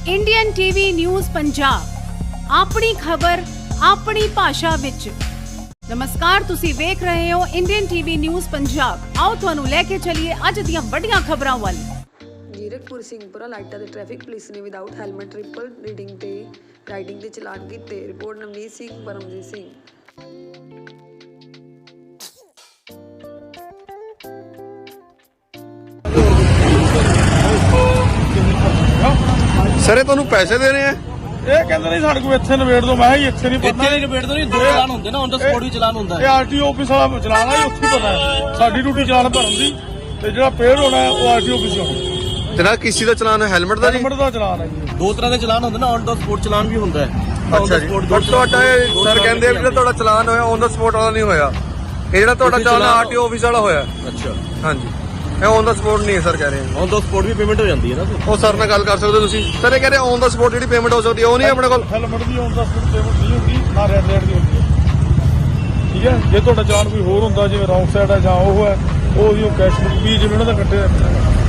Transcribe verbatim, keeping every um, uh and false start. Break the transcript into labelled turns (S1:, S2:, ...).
S1: Indian TV news Punjab ਆਪਣੀ ਖਬਰ ਆਪਣੀ ਭਾਸ਼ਾ ਵਿੱਚ। ਨਮਸਕਾਰ, ਤੁਸੀਂ ਵੇਖ ਰਹੇ ਹੋ ਇੰਡੀਅਨ ਟੀਵੀ ਨਿਊਜ਼ ਪੰਜਾਬ। ਆਓ ਤੁਹਾਨੂੰ ਲੈ ਕੇ ਚੱਲੀਏ ਅੱਜ ਦੀਆਂ ਵੱਡੀਆਂ ਖਬਰਾਂ ਵੱਲ।
S2: ਜੀਰਕਪੁਰ ਸਿੰਘਪੁਰਾ ਲਾਈਟਾਂ ਤੇ ਟ੍ਰੈਫਿਕ ਪੁਲਿਸ ਨੇ ਵਿਦਆਊਟ ਹੈਲਮਟ ਟ੍ਰਿਪਲ ਰੀਡਿੰਗ ਤੇ ਰਾਈਡਿੰਗ ਦੇ ਚਲਾਨ ਕੀਤੇ। ਰਿਪੋਰਟ ਨਵਨੀਤ ਸਿੰਘ, ਪਰਮਜੀਤ ਸਿੰਘ।
S3: ਸਰ ਇਹ ਤੁਹਾਨੂੰ ਪੈਸੇ ਦੇ ਰਹੇ ਆ?
S4: ਇਹ ਕਹਿੰਦੇ ਨਹੀਂ ਸਾਡੇ ਕੋਲ ਇੱਥੇ ਨਿਬੇੜ ਦੋ। ਮੈਂ ਕਿਹਾ ਇੱਥੇ ਨਹੀਂ ਪਤਾ,
S5: ਇੱਥੇ ਨਿਬੇੜ ਦੋ ਨਹੀਂ। ਦੋ ਚਲਾਨ ਹੁੰਦੇ ਨਾ, ਔਨ ਦਾ ਸਪੋਟ ਵੀ ਚਲਾਨ ਹੁੰਦਾ
S4: ਇਹ ਆਰਟੀਓ ਆਫਿਸ ਵਾਲਾ ਚਲਾਨ ਆ, ਉੱਥੇ ਪਤਾ ਹੈ। ਸਾਡੀ ਡਿਊਟੀ ਚਲਾਨ ਭਰਨ ਦੀ, ਤੇ ਜਿਹੜਾ ਪੇਡ ਹੋਣਾ ਉਹ ਆਰਟੀਓ ਆਫਿਸ ਹੋਣਾ।
S3: ਤੇਰਾ ਕਿਸ ਚੀਜ਼ ਦਾ ਚਲਾਨ ਹੈ? ਹੈਲਮਟ ਦਾ ਜੀ?
S4: ਹੈਲਮਟ ਦਾ ਚਲਾਨ ਹੈ ਜੀ।
S5: ਦੋ ਤਰ੍ਹਾਂ ਦੇ ਚਲਾਨ ਹੁੰਦੇ ਨਾ, ਔਨ ਦਾ ਸਪੋਟ ਚਲਾਨ ਵੀ ਹੁੰਦਾ ਹੈ।
S3: ਅੱਛਾ ਜੀ, ਪਰ ਤੁਹਾਡਾ ਸਰ ਕਹਿੰਦੇ ਵੀ ਜਿਹੜਾ ਤੁਹਾਡਾ ਚਲਾਨ ਹੋਇਆ ਔਨ ਦਾ ਸਪੋਟ ਵਾਲਾ ਨਹੀਂ ਹੋਇਆ। ਇਹ ਜਿਹੜਾ ਤੁਹਾਡਾ ਚਲਾਨ ਆਰਟੀਓ ਆਫਿਸ ਵਾਲਾ ਹੋਇਆ।
S5: ਅੱਛਾ,
S3: ਹਾਂਜੀ, ਇਹ ਔਨ ਦਾ ਸਪੋਟ ਨਹੀਂ ਹੈ ਸਰ ਕਹਿ ਰਹੇ।
S5: ਔਨ ਦਾ ਸਪੋਟ ਵੀ ਪੇਮੈਂਟ ਹੋ ਜਾਂਦੀ ਹੈ ਨਾ।
S3: ਉਹ ਸਰ ਨਾਲ ਗੱਲ ਕਰ ਸਕਦੇ ਹੋ ਤੁਸੀਂ। ਸਰ ਇਹ ਕਹਿ ਰਹੇ ਔਨ ਦਾ ਸਪੋਟ ਜਿਹੜੀ ਪੇਮੈਂਟ ਹੋ ਸਕਦੀ ਹੈ ਉਹ ਨਹੀਂ ਆਪਣੇ ਕੋਲ।
S4: ਹੈਲਮਟ ਦੀ ਔਨ ਦਾ ਸਪੋਟ ਪੇਮੈਂਟ ਨਹੀਂ ਹੁੰਦੀ, ਨਾ ਰੈਡ ਲਾਈਟ ਦੀ ਹੁੰਦੀ ਹੈ। ਠੀਕ ਹੈ, ਜੇ ਤੁਹਾਡਾ ਚਲਾਨ ਕੋਈ ਹੋਰ ਹੁੰਦਾ, ਜਿਵੇਂ ਰੌਂਗ ਸਾਈਡ ਹੈ ਜਾਂ ਉਹ ਹੈ, ਉਹ ਕੈਸ਼ ਬੁੱਕ ਵੀ ਜਿਵੇਂ ਉਹਨਾਂ ਦਾ ਕੱਟਿਆ